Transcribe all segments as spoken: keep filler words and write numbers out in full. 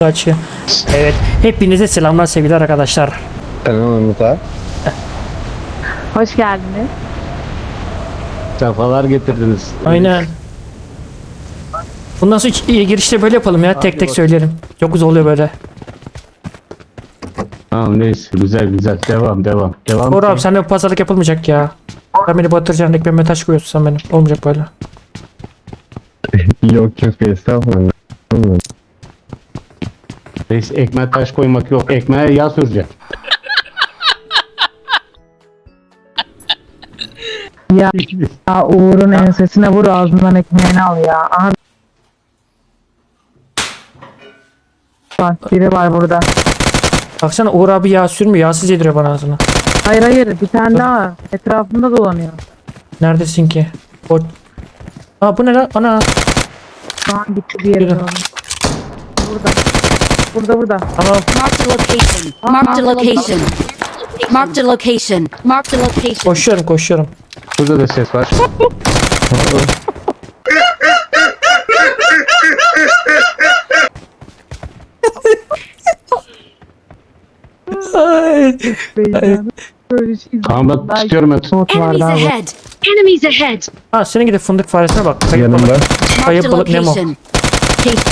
Açı. Evet. Hepinize selamlar sevgili arkadaşlar. Selam Musa. Hoş geldiniz. Sefalar getirdiniz. Aynen. Bundan sonra hiç iyi girişte böyle yapalım ya. Tek tek söylerim. Çok güzel oluyor böyle. Tamam neyse güzel güzel devam devam. Devam. Doğru abi sende pazarlık yapılmayacak ya. Sen beni batıracaksın, ekmeğime taş koyuyorsun sen benim. Olmayacak böyle. Yok yok estağfurullah. Reis ekmeğe taş koymak yok. Ekmeğe yağ süreceksin. Ya, ya Uğur'un ensesine vur, ağzından ekmeğini al ya. Aha. Bak biri var burada. Baksana Uğur abi yağ sürmüyor. Yağsız yediriyor bana ağzına. Hayır hayır, bir tane daha etrafında dolanıyor. Neredesin ki? O... Aa bu ne lan? Ana. Şu an gitti bir yere Yürü. doğru. Burada. Burada burada. Tamam. Marked a location. Marked a location. Marked a location. Marked a location. Koşuyorum koşuyorum. Burada da ses var. Ay. Beyler, böyle şey. Tamam ben tutuyorum ben. Bot var Enemies daha var. ahead. Enemies ahead. Ha senin gidip fındık faresine bak. Kayıp Yanımda. balık. Marked Kayıp a balık Nemo. location. Location.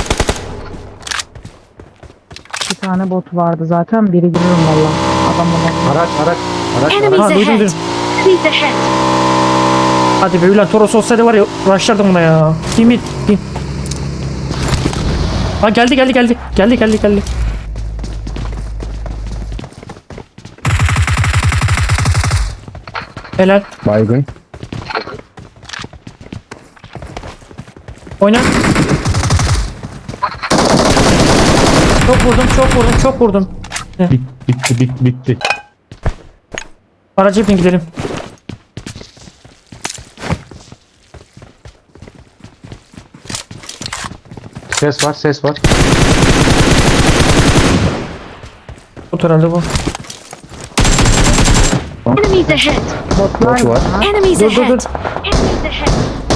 Bir tane bot vardı zaten, biri giriyorum valla. Adam adam. Araç araç. Araç Enemies araç. Ha duydum ahead. duydum. Enemies ahead. Hadi be ulan Toros olsaydı var ya uğraşlardım buna ya. Bin bin bin. Ha geldi geldi geldi. Geldi geldi geldi. Helal. Baygın. Oyna. Çok vurdum çok vurdum çok vurdum. Bit, bitti bit, bitti. Araca bin gidelim. Ses var ses var. Bu herhalde bu. Enemies ahead. Botlar Bot var. var. Enemies Dur dur dur. ahead. Enemies ahead.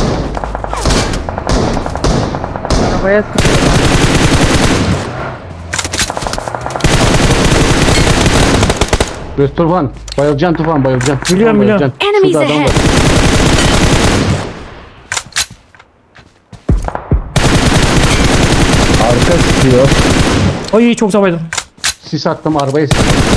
Arabaya sıkıyor. Göz Tufan. Bayılacaksın Tufan bayılacaksın. Biliyorum, Tufan, biliyorum. bayılacaksın. Enemies Şurada adam ahead. var. Arka sıkıyor. Ay çok zavaydım. Sis attım arabayı.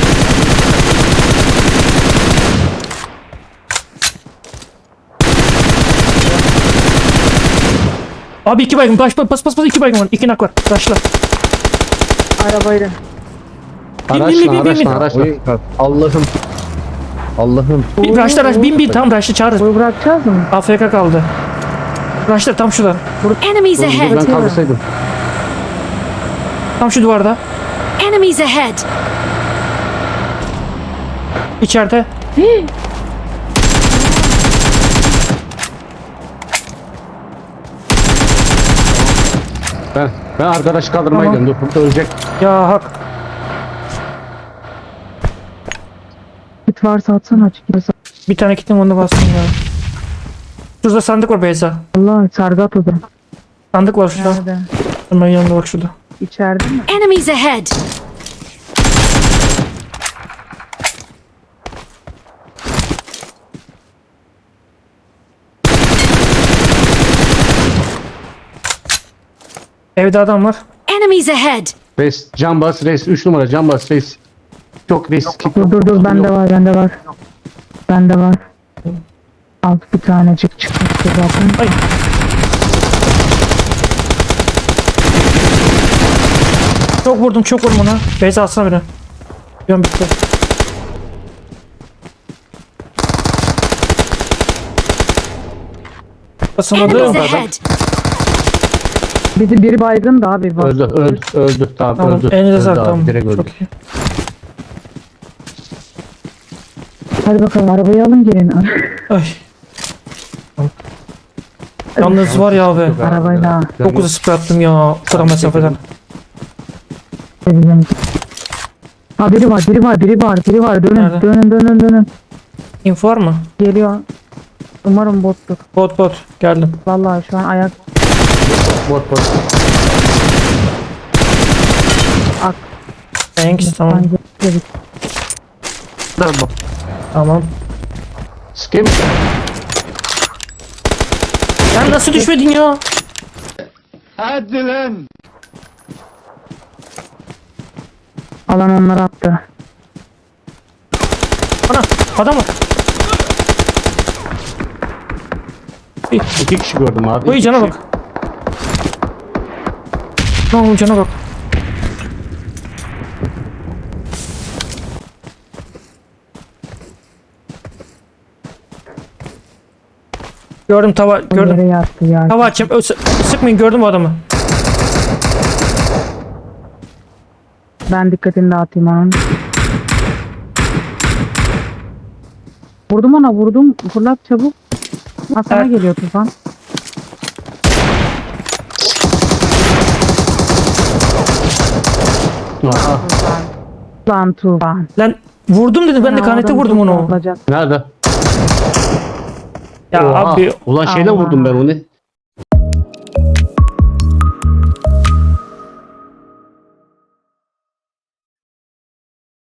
Abi iki baygın. Baş bas bas bas iki baygın var. İki nak var. Başla. Arabayla. bin, Araçla bin, bin, bin, bin. araçla araçla. Allah'ım. Allah'ım. Bir raşla raş bin bin tam raşla çağırırız. Boyu bırakacağız mı? A F K kaldı. Raşlar tam şurada. Enemies Dur, dur, ben ahead. kaldırsaydım. Tam şu duvarda. Enemies ahead. İçeride. Ben, ben arkadaşı kaldırmaya Tamam. gidiyorum. Dur burada ölecek. Ya hak. Kit varsa atsana, açık varsa. Bir tane kitim onu bastım ya. Şurada sandık var Beyza. Allah, sargı at o zaman. Sandık var şurada. Nerede? Hemen yanında bak şurada. İçeride mi? Enemies ahead. Evde adam var. Enemies ahead. Reis can bas reis. üç numara can bas reis. Çok risk. Dur dur dur, bende var bende var. Bende var. Alt bir tanecik çıkmıştı zaten. Ay. Çok vurdum çok vurdum ona. Beyza alsana beni. Yön bitti. Basamadım. Enemies ahead. Biri, biri baygın da abi. Bak. Öldü öldü öldü. Tamam, Tamam. öldü. Elinize Öldü sağlık abi, tamam. direkt öldü. Çok iyi. Hadi bakalım, arabayı alın gelin. Ay. Yalnız var ya abi. Arabayla. Çok uzun sprey attım ya. O kadar mesafeden. Bizim. Ha, biri var biri var biri var biri var. Dönün Nerede? dönün dönün dönün. Info var mı? Geliyor. Umarım bottur. Bot bot. Geldim. Vallahi şu an ayak. Bot bot. Ak. Thanks tamam. Bence dedik. Tamam. Tamam. Skip. Sen nasıl düşmedin ya? Hadi lan. Alan onları attı. Ana adam var. İki kişi gördüm abi. Oy İki cana kişi. bak. Ne oldu cana bak. Gördüm tava O gördüm. yere yattı ya. Tava açayım. Ö, sı- sıkmayın gördüm o adamı. Ben dikkatini dağıtayım onun. Vurdum ona vurdum. Fırlat çabuk. Ha sana Evet. geliyor Tufan. Aha. Lan Tufan. Lan vurdum dedi ben de Ha, kanete adam vurdum çok onu. olacak. Nerede? Ya Oha. abi Ulan şeyle Allah. vurdum ben onu.